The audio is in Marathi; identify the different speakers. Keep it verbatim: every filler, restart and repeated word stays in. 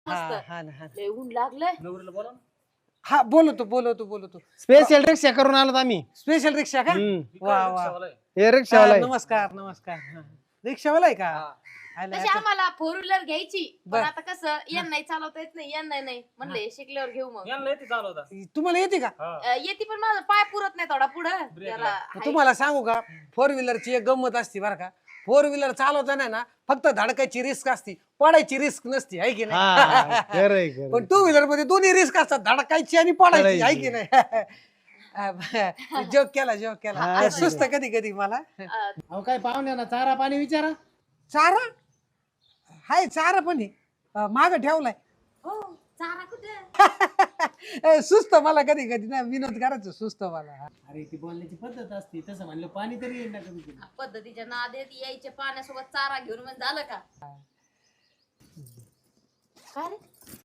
Speaker 1: हा ना हा
Speaker 2: लय ऊन लागलंय.
Speaker 3: नवरीला बोला ना.
Speaker 1: हा बोलवतो बोलवतो बोलवतो
Speaker 4: स्पेशल रिक्षा करून आलो आम्ही.
Speaker 1: स्पेशल रिक्षा का
Speaker 4: हम्म.
Speaker 1: वा वा
Speaker 3: रिक्षावाला आहे.
Speaker 4: हे
Speaker 1: हा,
Speaker 4: रिक्षावाला आहे.
Speaker 1: नमस्कार नमस्कार हा. रिक्षावाला आहे का आला
Speaker 2: तशी
Speaker 1: आता.
Speaker 2: आम्हाला फोर व्हीलर घ्यायची पण
Speaker 1: बर.
Speaker 2: आता कसं यांना नाही चालवता येत नाही यांना नाही म्हणले शिकल्यावर घेऊ मग.
Speaker 3: यांना येते चालवता.
Speaker 1: तुम्हाला येते का
Speaker 3: हा.
Speaker 2: अं, येते पण माझा पाय पुरत नाही थोडा पुढं त्याला हाय.
Speaker 1: तुम्हाला सांगू का फोर व्हीलरची एक गंमत असते बरं का फोर व्हीलर चालवताना ना फक्त धडकायची रिस्क असते पडायची रिस्क नसती आहे की
Speaker 4: हा
Speaker 1: नाही
Speaker 4: खरंय खरंय.
Speaker 1: पण टू व्हीलर मध्ये दोन्ही रिस्क असतात धडकायची आणि पडायची आहे की
Speaker 4: पडायची.
Speaker 1: नाही जोक केला जोक केला
Speaker 4: हा,
Speaker 1: सुस्त कधी कधी मला
Speaker 2: अं,
Speaker 4: अहो काय पाहुण्या ना चारा पाणी विचारा.
Speaker 1: चारा हाय चारा पण आहे माग ठेवलाय
Speaker 2: हो चारा कुठे
Speaker 1: ए, सुस्त मला कधी कधी ना विनोद करायचं सुस्त मला
Speaker 4: अरे ती बोलण्याची पद्धत असते तसं म्हणलं पाणी तरी येईल ना कमी कमी.
Speaker 2: पद्धतीच्या नादेत यायचे पाण्यासोबत चारा घेऊन म्हणजे झालं का काय रे